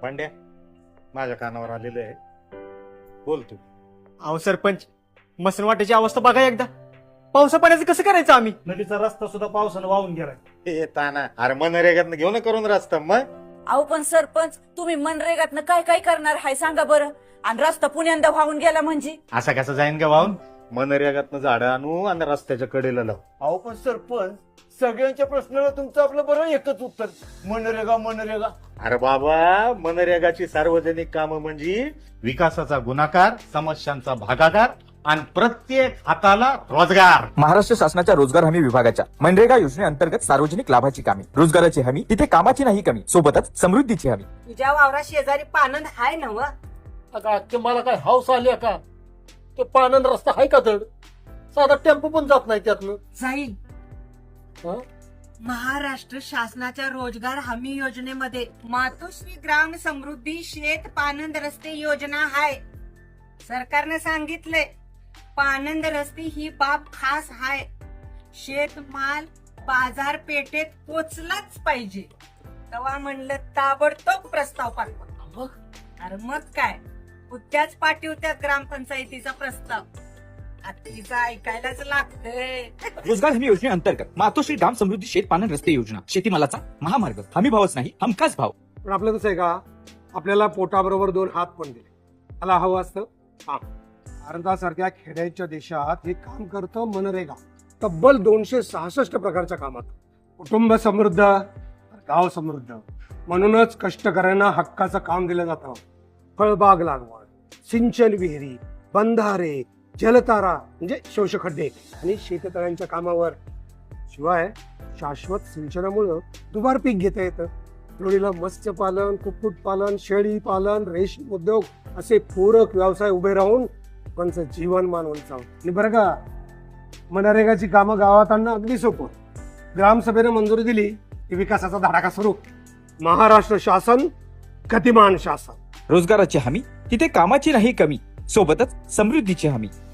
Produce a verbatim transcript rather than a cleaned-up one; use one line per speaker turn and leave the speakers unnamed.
भांड्या माझ्या कानावर आलेलं आहे, बोल तू.
अहो सरपंच, मसनवाट्याची अवस्था बघा एकदा. पावसा पाण्याचं कसं करायचं आम्ही?
नदीचा रस्ता सुद्धा पावसानं वाहून गेलाय.
हे ताना अरे मनरेगात घेऊन करून रस्ता मग.
अहो पण सरपंच, तुम्ही मनरेगातनं काय काय करणार हाय सांगा बरं. आणि रस्ता पुण्यांदा वाहून गेला म्हणजे
असा कसा जाईन का वाहून? मनरेगातनं झाडं आणू आणि रस्त्याच्या कडेला लावू.
अहो पण सरपंच, सगळ्यांच्या प्रश्नाला तुमचं आपलं बरं एकच उत्तर, मनरेगा मनरेगा.
अरे बाबा, मनरेगाची सार्वजनिक कामं म्हणजे विकासाचा गुणाकार, समस्यांचा भागाकार आणि प्रत्येक हाताला रोजगार.
महाराष्ट्र शासनाच्या रोजगार हमी विभागाच्या मनरेगा योजनेअंतर्गत सार्वजनिक लाभाची कामे, रोजगाराची हमी, तिथे कामाची नाही कमी, सोबतच समृद्धीची हमी.
तुझ्या वावरा शेजारी पानंद हाय ना व?
अगं मला काय हाऊस आली का? ते पानंद रस्ता आहे का धड? साधा टेम्पो पण जात नाही त्यातनं.
जाईल.
हं?
महाराष्ट्र शासनाच्या रोजगार हमी योजनेमध्ये मातोश्री ग्राम समृद्धी शेत पानंद रस्ते योजना हाय. सरकारने सांगितले पानंद रस्ते ही बाब खास हाय. शेतमाल बाजारपेठेत पोचलाच पाहिजे. तेव्हा म्हणलं ताबडतोब प्रस्ताव पाठवा. अरे मग काय, उद्याच पाठवत्यात ग्रामपंचायतीचा प्रस्ताव. तिचं ऐकायलाच लागतंय.
रोजगार हमी योजनेअंतर्गत मातोश्री ग्राम समृद्धी शेत पानन रस्ते योजना, शेतीमालाचा महामार्ग. हमी भावच नाही, हमखास भाव.
पण आपलं कसं आहे का, आपल्याला पोटाबरोबर दोन हात पण दिले. मला हवं असतं हा. भारतासारख्या खेड्याच्या देशात हे काम करतं मनरेगा. तब्बल दोनशे सहासष्ट प्रकारच्या कामात. कुटुंब समृद्ध, गाव समृद्ध. म्हणूनच कष्टकऱ्यांना हक्काचं काम दिलं जातं. फळबाग लागवड, सिंचन विहिरी, बंधारे, जलतारा म्हणजे शोषखड्डे आणि शेततळ्यांच्या कामावर. शिवाय शाश्वत सिंचनामुळं दुबार पीक घेता येतं. लोणीला मत्स्यपालन, कुक्कुटपालन, शेळी पालन, रेशीम उद्योग असे पूरक व्यवसाय उभे राहून लोकांचं जीवनमान उंचावं. आणि बरं का, मनरेगाची कामं गावात आणणं अगदी सोपं. ग्रामसभेनं मंजुरी दिली की विकासाचा धडाका सुरू. महाराष्ट्र शासन गतिमान शासन.
रोजगाराची हमी, तिथे कामाची नाही कमी, सोबतच समृद्धीची हमी.